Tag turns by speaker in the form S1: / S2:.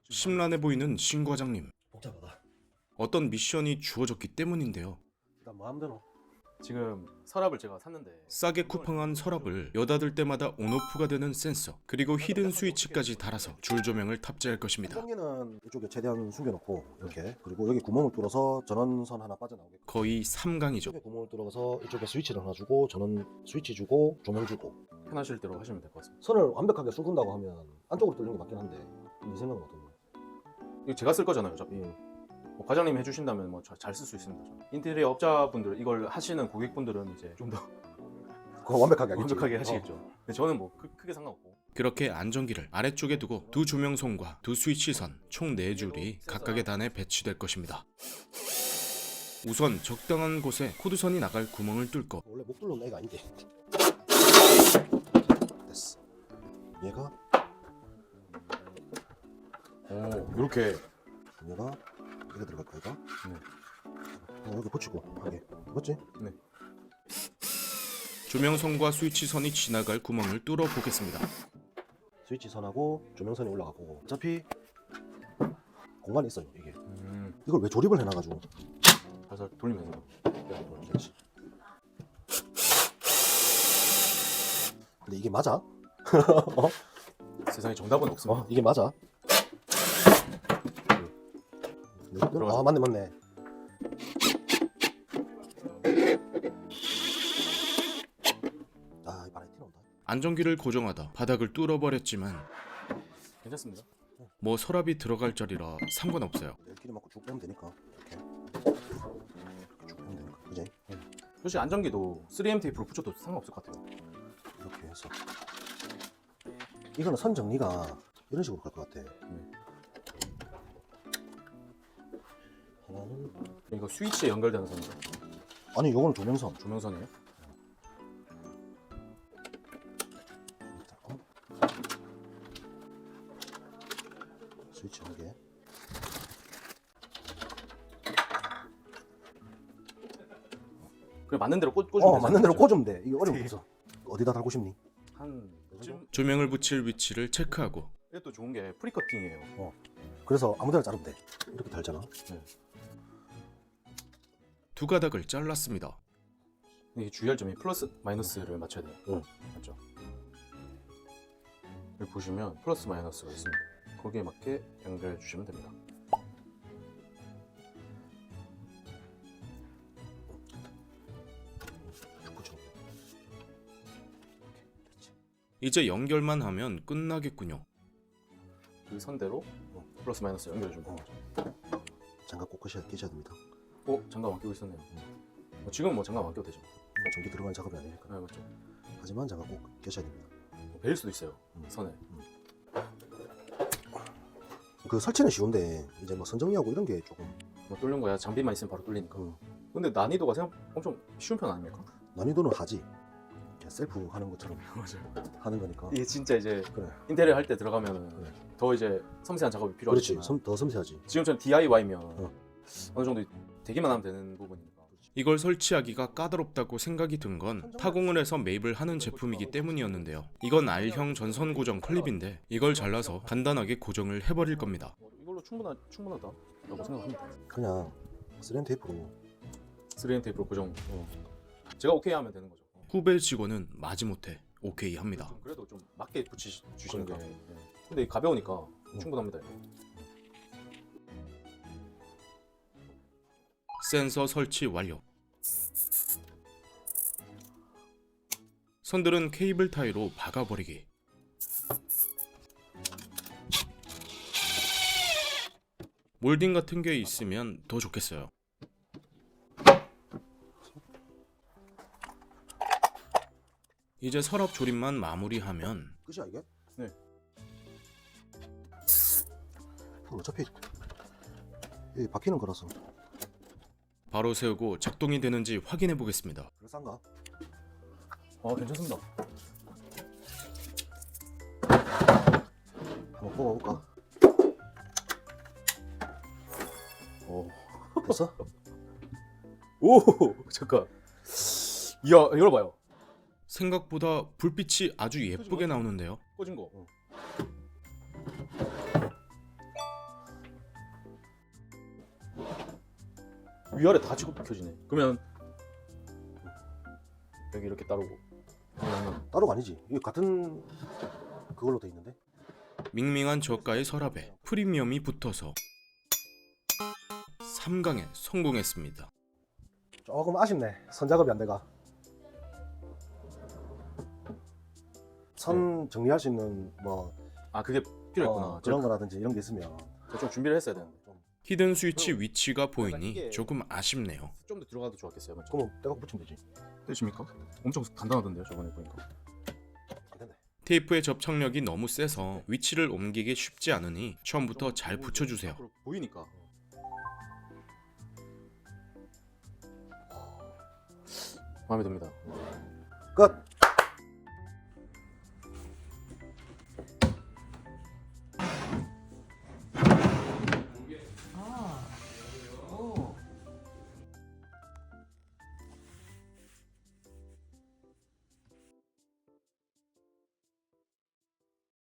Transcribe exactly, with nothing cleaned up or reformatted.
S1: 심란해 보이는 신 과장님.
S2: 복잡하다.
S1: 어떤 미션이 주어졌기 때문인데요.
S2: 일단 마음대로.
S3: 지금 서랍을 제가 샀는데
S1: 싸게 쿠팡한 서랍을 여닫을 때마다 온오프가 되는 센서, 그리고 히든 스위치까지 달아서 줄 조명을 탑재할 것입니다.
S2: 뚜껑기는 이쪽에 최대한 숨겨놓고 이렇게, 그리고 여기 구멍을 뚫어서 전원선 하나 빠져나오게.
S1: 거의 삼강이죠.
S2: 이쪽에 구멍을 뚫어서 이쪽에 스위치를 하나 주고, 전원 스위치 주고, 조명 주고.
S3: 편하실 대로 하시면 될 것 같습니다.
S2: 선을 완벽하게 숨긴다고 하면 안쪽으로 뚫는 게 맞긴 한데, 네 생각은 어떤가요?
S3: 이거 제가 쓸 거잖아요, 어차피.
S2: 예.
S3: 뭐 과장님 해주신다면 뭐 잘 쓸 수 있습니다. 저는. 인테리어 업자분들 이걸 하시는 고객분들은 이제 좀 더
S2: 그거 완벽하게 하겠지.
S3: 완벽하게 하시겠죠. 근데 저는 뭐 크, 크게 상관없고.
S1: 그렇게 안전기를 아래쪽에 두고 두 조명선과 두 스위치선 총 네 줄이 각각의 단에 배치될 것입니다. 우선 적당한 곳에 코드선이 나갈 구멍을 뚫고
S2: 원래 목 뚫는 애가 아닌데. 됐어. 얘가
S3: 오, 이렇게.
S2: 얘가 이거 들어갈 거야, 이거.
S3: 네.
S2: 어, 여기 붙이고 하게. 맞지?
S3: 네.
S1: 조명선과 스위치선이 지나갈 구멍을 뚫어 보겠습니다.
S2: 스위치 선하고 조명선이 올라가고. 어차피 공간이 있어요, 이게.
S3: 음,
S2: 이걸 왜 조립을 해놔가지고.
S3: 살살 돌리면서.
S2: 그렇지. 근데 이게 맞아? 어?
S3: 세상에 정답은 없습니다.
S2: 어? 이게 맞아? 아, 맞네 맞네. 아, 이 바람이 튀어나온다.
S1: 안전기를 고정하다 바닥을 뚫어버렸지만
S3: 괜찮습니다.
S1: 뭐 서랍이 들어갈 자리라 상관없어요.
S2: 내일끼리 맞고 쭉 빼면 되니까. 이렇게 이렇게 쭉 빼면 되니까. 그지?
S3: 솔직히 안전기도 쓰리엠 테이프로 붙여도 상관없을 것 같아요.
S2: 이렇게 해서 이거는 선 정리가 이런 식으로 갈 것 같아.
S3: 네.
S2: 하나는
S3: 이거 스위치에 연결되는 선이죠.
S2: 아니, 요거는 조명선.
S3: 조명선이에요.
S2: 어? 스위치 한 개.
S3: 그래 맞는 대로 꽂, 꽂으면
S2: 어, 맞는 대로
S3: 되잖아요.
S2: 꽂으면 돼. 이게 어려운 거 없어. 어디다 달고 싶니?
S3: 한 쯤.
S1: 조명을 붙일 위치를 체크하고
S3: 이게 또 좋은 게 프리커팅이에요.
S2: 그래서 아무데나 자르면 돼. 이렇게 달잖아.
S1: 두 가닥을 잘랐습니다.
S3: 이게 주의할 점이 플러스 마이너스를 맞춰야 돼요.
S2: 응.
S3: 맞죠? 여기 보시면 플러스 마이너스가 있습니다. 거기에 맞게 연결해 주시면 됩니다.
S2: 쭉 붙여.
S1: 이제 연결만 하면 끝나겠군요.
S3: 그 선대로 플러스 마이너스 연결해 주면
S2: 어.
S3: 돼요.
S2: 장갑 꼭 끼셔야, 끼셔야 됩니다.
S3: 어? 장갑 안 끼고 있었네요. 뭐 지금 뭐 장갑 안 끼도 되죠.
S2: 전기 들어가는 작업이 아니니까.
S3: 아 맞죠.
S2: 하지만 장갑 꼭 끼셔야 됩니다.
S3: 뭐 베일 수도 있어요.
S2: 음.
S3: 선에.
S2: 그 설치는 쉬운데 이제 뭐 선 정리하고 이런 게 조금
S3: 뭐 뚫는 거야. 장비만 있으면 바로 뚫리니까.
S2: 음.
S3: 근데 난이도가 생각 엄청 쉬운 편 아닙니까?
S2: 난이도는 하지. 그냥 셀프 하는 것처럼
S3: 맞아요.
S2: 하는 거니까.
S3: 이게 진짜 이제
S2: 그래.
S3: 인테리어 할 때 들어가면
S2: 그래.
S3: 더 이제 섬세한 작업이
S2: 그렇지.
S3: 필요하지만
S2: 섬, 더 섬세하지.
S3: 지금처럼 디아이와이면
S2: 어.
S3: 어느 정도 되기만 하면 되는 부분이니까.
S1: 이걸 설치하기가 까다롭다고 생각이 든 건 타공을 해서 매입을 하는 제품이기 때문이었는데요. 이건 R형 전선 고정 클립인데 이걸 잘라서 간단하게 고정을 해버릴 겁니다.
S3: 어, 이걸로 충분하, 충분하다라고 생각합니다.
S2: 그냥 쓰렌 테이프로.
S3: 쓰리엠 테이프로 고정. 어. 제가 오케이 하면 되는 거죠.
S1: 후배 직원은 마지못해 오케이 합니다.
S3: 좀 그래도 좀 맞게 붙이시는 게.
S2: 그러니까.
S3: 예. 근데 가벼우니까
S2: 응.
S3: 충분합니다.
S1: 센서 설치 완료. 선들은 케이블 타이로 박아버리기. 몰딩 같은 게 있으면 더 좋겠어요. 이제 서랍 조립만 마무리하면
S2: 끝이야 이게?
S3: 네.
S2: 그럼 어차피 이 바뀌는 거라서.
S1: 바로 세우고 작동이 되는지 확인해 보겠습니다.
S2: 그럴싸한가?
S3: 어 괜찮습니다.
S2: 한번 뽑아볼까?
S3: 오.
S2: 됐어?
S3: 오 잠깐. 이야 이걸 봐요.
S1: 생각보다 불빛이 아주 예쁘게 나오는데요.
S3: 꽂은 거. 위아래 다 지금 켜지네. 그러면 여기 이렇게 따르고 그러면
S2: 따로가 아니지. 이게 같은 그걸로 돼 있는데.
S1: 밍밍한 저가의 서랍에 프리미엄이 붙어서 삼 강에 성공했습니다.
S2: 조금 아쉽네. 선 작업이 안 돼가. 선 정리할 수 있는 뭐
S3: 아 그게 필요했구나.
S2: 어, 그런 거라든지 이런 게 있으면
S3: 제가 좀 준비를 했어야 되는데
S2: 좀
S1: 히든 스위치 위치가 보이니 조금 아쉽네요.
S3: 좀 더 들어가도 좋았겠어요. 맞죠?
S2: 그러면 떼갖고 붙이면 되지.
S3: 되십니까? 엄청 간단하던데요, 저번에 보니까.
S2: 안 된대.
S1: 테이프의 접착력이 너무 세서 위치를 옮기기 쉽지 않으니 처음부터 잘 붙여주세요.
S3: 앞으로 보이니까. 마음에 듭니다.
S2: 끝.